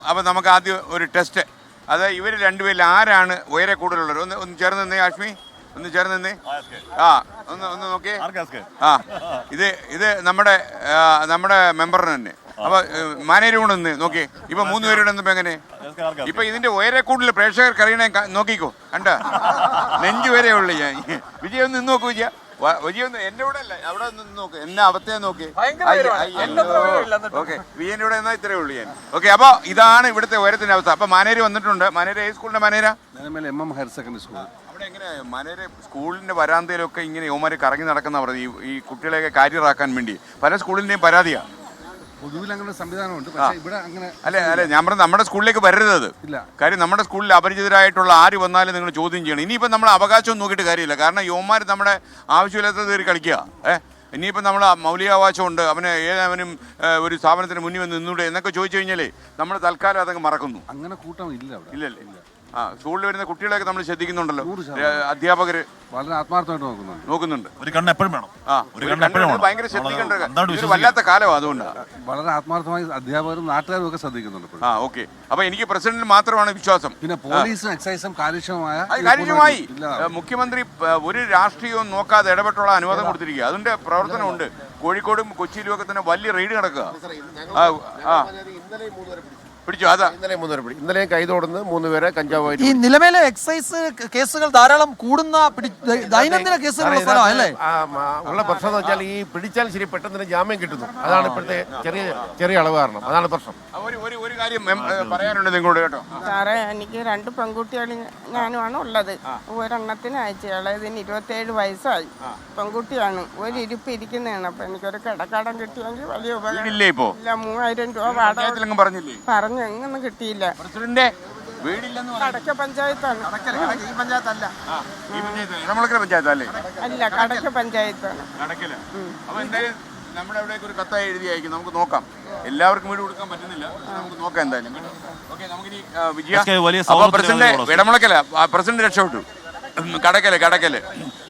അപ്പോൾ നമുക്ക് ആദ്യം ഒരു ടെസ്റ്റ്. അത് ഇവർ രണ്ടുപേരിൽ ആരാണ് ഉയരെ കൂടുതലുള്ളത്? ഒന്ന് ചേർന്ന് നിന്നേ ആഷ്മി, ഒന്ന് ചേർന്ന് നിന്നേ. ഒന്ന് നോക്കിയേ. ഇത് നമ്മുടെ മെമ്പറിന് തന്നെ. അപ്പൊ മാനേജർ കൂടെ നിന്ന് നോക്കിയേ. ഇപ്പൊ 3 പേരുടെ നിന്നപ്പോ എങ്ങനെ? ഇപ്പൊ ഇതിന്റെ ഉയരെ കൂടുതൽ പ്രേക്ഷകർക്ക് അറിയണേ നോക്കിക്കോ. കണ്ട നെഞ്ചു വരെ ഉള്ളു. ഞാൻ വിജയ ഒന്ന് നിന്ന് നോക്കൂ. വിജയ ഒന്ന് എന്റെ കൂടെ അല്ല, അവിടെ നിന്ന് നോക്ക്. എന്നെ അവസ്ഥയെ നോക്കി. ഓക്കെ, വിജയന്റെ കൂടെ എന്നാ ഇത്രേ ഉള്ളൂ ഞാൻ. ഓക്കെ, അപ്പൊ ഇതാണ് ഇവിടുത്തെ ഉയരത്തിന്റെ അവസ്ഥ. അപ്പൊ മാനേജർ വന്നിട്ടുണ്ട്. മാനേജർ ഏത് സ്കൂളിന്റെ മാനേജരാ? MM higher secondary school. അവിടെ എങ്ങനെ മാനേജർ സ്കൂളിന്റെ വരാന്തയിലൊക്കെ ഇങ്ങനെ യുവമാര് കറങ്ങി നടക്കുന്ന പറഞ്ഞു ഈ കുട്ടികളെയൊക്കെ കാര്യറാക്കാൻ വേണ്ടി? പല സ്കൂളിന്റെയും പരാതിയാ. പൊതുവിൽ അങ്ങനെ സംവിധാനമുണ്ട്, പക്ഷേ ഇവിടെ അങ്ങനെ അല്ല ഞാൻ പറഞ്ഞ നമ്മുടെ സ്കൂളിലേക്ക് വരരുത്. അത് കാര്യം നമ്മുടെ സ്കൂളിൽ അപരിചിതരായിട്ടുള്ള ആര് വന്നാലും നിങ്ങൾ ചോദ്യം ചെയ്യണം. ഇനിയിപ്പോൾ നമ്മൾ അവകാശം നോക്കിയിട്ട് കാര്യമില്ല. കാരണം യുവമാർ നമ്മുടെ ആവശ്യമില്ലാത്ത കയറി കളിക്കുക. ഇനിയിപ്പോൾ നമ്മൾ മൗലികാവകാശമുണ്ട്, അവനും ഒരു സ്ഥാപനത്തിന് മുന്നിൽ വന്ന് നിന്നൂടെ എന്നൊക്കെ ചോദിച്ചു കഴിഞ്ഞാൽ നമ്മൾ തൽക്കാലം അതങ്ങ് മറക്കുന്നു. അങ്ങനെ കൂട്ടം ഇല്ലല്ലേ? സ്കൂളിൽ വരുന്ന കുട്ടികളെയൊക്കെ നമ്മൾ ശ്രദ്ധിക്കുന്നുണ്ടല്ലോ. അധ്യാപകര് വളരെ ആത്മാർത്ഥമായിട്ട് നോക്കുന്നുണ്ട്. ഒരു കണ്ണ് എപ്പോഴും വേണം. ഭയങ്കര ശ്രദ്ധിക്കേണ്ട വല്ലാത്ത കാലമാണ്. അതുകൊണ്ടാണ് വളരെ ആത്മാർത്ഥമായി അധ്യാപകരും നാട്ടുകാരും ഒക്കെ ശ്രദ്ധിക്കുന്നുണ്ട്. ഓക്കെ, അപ്പൊ എനിക്ക് പ്രസിഡന്റിൽ മാത്രമാണ് വിശ്വാസം. പിന്നെ പോലീസും എക്സൈസും കാര്യക്ഷമമായി മുഖ്യമന്ത്രി ഒരു രാഷ്ട്രീയവും നോക്കാതെ ഇടപെട്ടുള്ള അനുവാദം കൊടുത്തിരിക്കുക. അതിന്റെ പ്രവർത്തനമുണ്ട്. കോഴിക്കോടും കൊച്ചിയിലും ഒക്കെ തന്നെ വലിയ റെയ്ഡ് നടക്കുക. പിടിച്ചു. അതാ ഇന്നലെ കൈതോടുന്ന് 3 പേരെ കഞ്ചാവ്. ഈ നിലവിലെ എക്സൈസ് കേസുകൾ ധാരാളം കൂടുന്ന ദൈനംദിന കേസുകളുള്ള സ്ഥലം അല്ലേ? ഉള്ള പ്രശ്നം എന്ന് വെച്ചാൽ ഈ പിടിച്ചാൽ ശരി പെട്ടെന്ന് ജാമ്യം കിട്ടുന്നു. അതാണ് ഇപ്പോഴത്തെ ചെറിയ അളവ് കാരണം. അതാണ് പ്രശ്നം. ഒരു കാര്യം പറയാനുണ്ട് നിങ്ങളോട് കേട്ടോ. സാറേ, എനിക്ക് 2 പെൺകുട്ടികൾ ഞാനുമാണ് ഉള്ളത്. ഒരെണ്ണത്തിന് അയച്ചയാളെ ഇതിന് 27 വയസ്സായി. പെൺകുട്ടിയാണ്. ഒരു ഇരിപ്പ് ഇരിക്കുന്നതാണ്. അപ്പൊ എനിക്കൊരു കിടക്കാടം കിട്ടിയെങ്കിൽ വലിയ ഉപകാരം. ഇല്ല, 3000 രൂപ വാടക പറഞ്ഞു. എങ്ങൊന്നും കിട്ടിയില്ല. കടക്ക പഞ്ചായത്താണ്. ഈ പഞ്ചായത്തല്ല, പഞ്ചായത്തല്ലേ? അല്ല, കടക്ക പഞ്ചായത്താണ്. അപ്പൊ എന്തായാലും നമ്മുടെ അവിടേക്ക് ഒരു കത്തായി എഴുതി അയക്കും. നമുക്ക് നോക്കാം. എല്ലാവർക്കും വീട് കൊടുക്കാൻ പറ്റുന്നില്ല. നമുക്ക് നോക്കാം എന്തായാലും. ഓക്കെ, നമുക്കിനി വിജയ പ്രസിഡന്റ് ഇടമുളക്കല്ല, പ്രസിഡന്റ് രക്ഷപ്പെട്ടു. കടക്കല്